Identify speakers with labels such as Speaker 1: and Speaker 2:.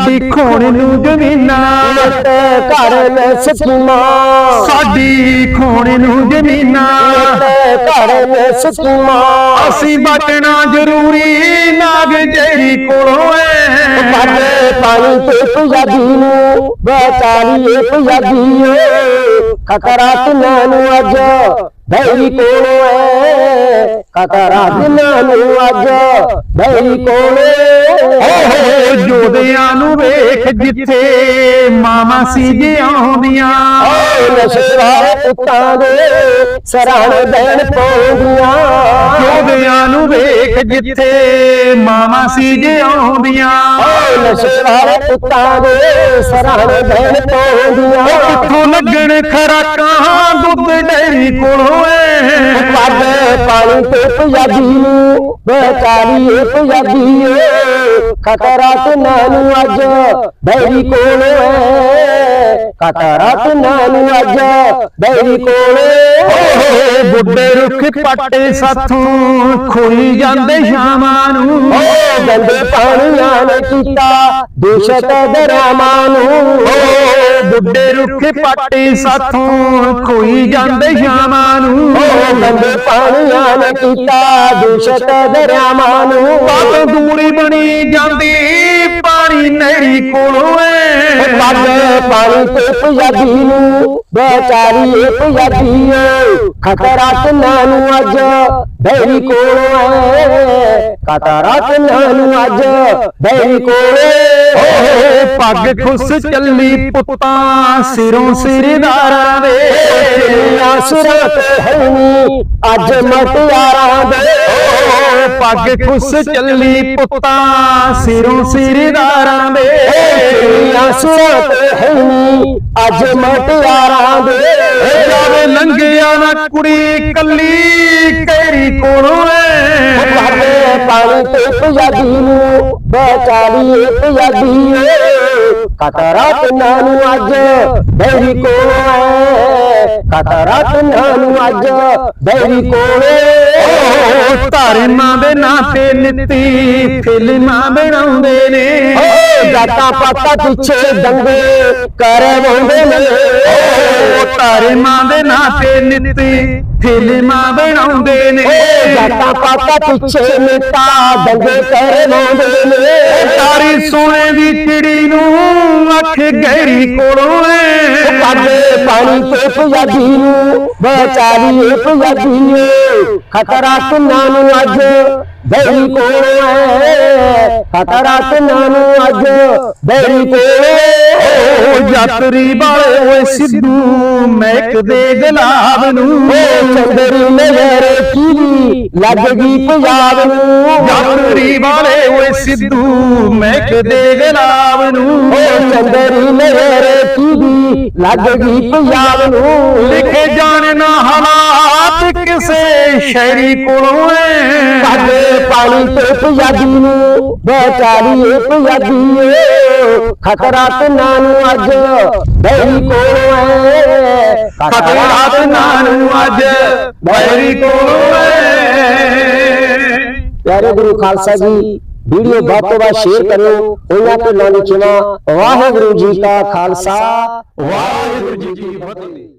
Speaker 1: साडी खोण नू जमीनां
Speaker 2: घर में स्कीमां
Speaker 1: साडी खोण नू जमीनां
Speaker 2: घर में स्कीमां
Speaker 1: असी बचना जरूरी नाग जेरी कोलों
Speaker 2: पानी ते पंजाबी नू बेचारी पंजाबी खतरा तिन्हां नू अज भैरी कोलों है खतरा तिन्हां नू अज भैरी कोलों
Speaker 1: जोधियां नू वेख जिथे मामा सी जियांदियां
Speaker 2: नशे वाले पुत्तां दे सराहण देण पौंदियां
Speaker 1: जोधियां नू वेख जिथे मामा सी जियांदियां
Speaker 2: नशे वाले पुत्तां दे सराहण देण पौंदियां
Speaker 1: कित्थों लगण खराकां दुੱਧ डेरी कोलों
Speaker 2: पग पानी ते पंजाबी नू बेचारी पंजाबी खतरा तिन्हां नू अज भैरी कोलों खतरा तिन्हां नू अज भैरी कोलों
Speaker 1: बुढ़े रुख पट्टे साथों खोई जांदे शामां नू
Speaker 2: गंदे पानियां ने कीता दूषित दरियावां नू
Speaker 1: बुढ़े रुख पट्टे साथों खोई जांदे शामां नू
Speaker 2: गंदे पानियां ने कीता दूषित दरियावां नू
Speaker 1: दूरी बनी जांदी पानी नहरी कोलों
Speaker 2: पग पानी ते पंजाबी नू बेचारी पंजाबी खतरा तिन्हां नू अज भैरी कोलों खतरा तिन्हां नू अज भैरी कोलों
Speaker 1: पग खुस चली पुत्तां सिरों सिरदारां दे
Speaker 2: सिरां ते हैनी अज मटियारां दे
Speaker 1: पग खुस चली पुत्तां सिरों सिरदारां दे
Speaker 2: सिरां ते हैनी अज मटियारां दे
Speaker 1: जावे लंघिया ना कुड़ी कली केरी कोलों
Speaker 2: पानी ते पंजाबी नू बेचारी पंजाबी खतरा तिन्हां नू अज भैरी कोलों खतरा तिन्हां नू अज भैरी कोलों
Speaker 1: धर्मां दे नां ते नित्ती फिल्मां बनाउंदे ने
Speaker 2: जातां पातां पिछे दंगे करवाउंदे ने
Speaker 1: धर्मां दे नां ते नित्ती फिल्मां बनाउंदे ने
Speaker 2: जातां पातां पिछे नेता दंगे करवाउंदे ने
Speaker 1: तारी सोने दी चिड़ी नू अख गहरी कोलों
Speaker 2: पग पानी ते पंजाबी नू बेचारी पंजाबी खतरा तिन्हां नू अज भैरी कोलों खतरा तिन्हां नू अज भैरी कोलों
Speaker 1: यात्री वाले ओए सिद्धू महक दे गुलाब नू
Speaker 2: चंदरी नजर की लग गई पंजाब नू
Speaker 1: यात्री वाले ओए सिद्धू महक दे गुलाब नू
Speaker 2: चंदरी नजर की लग गई पंजाब नू
Speaker 1: लिखे जाने ना हालात किसे शहरी कोलों
Speaker 2: पग पानी ते पंजाबी नू बेचारी पंजाबी खतरा तिन्हां नू अज भैरी कोलों
Speaker 1: खतरा तिन्हां नू अज भैरी कोलों
Speaker 2: प्यारे गुरु खालसा जी वीडियो बहुत तो बाद शेयर करो उन्हां ते नाल लिखना वाहिगुरू जी का खालसा
Speaker 1: वाहिगुरू जी की फतेह।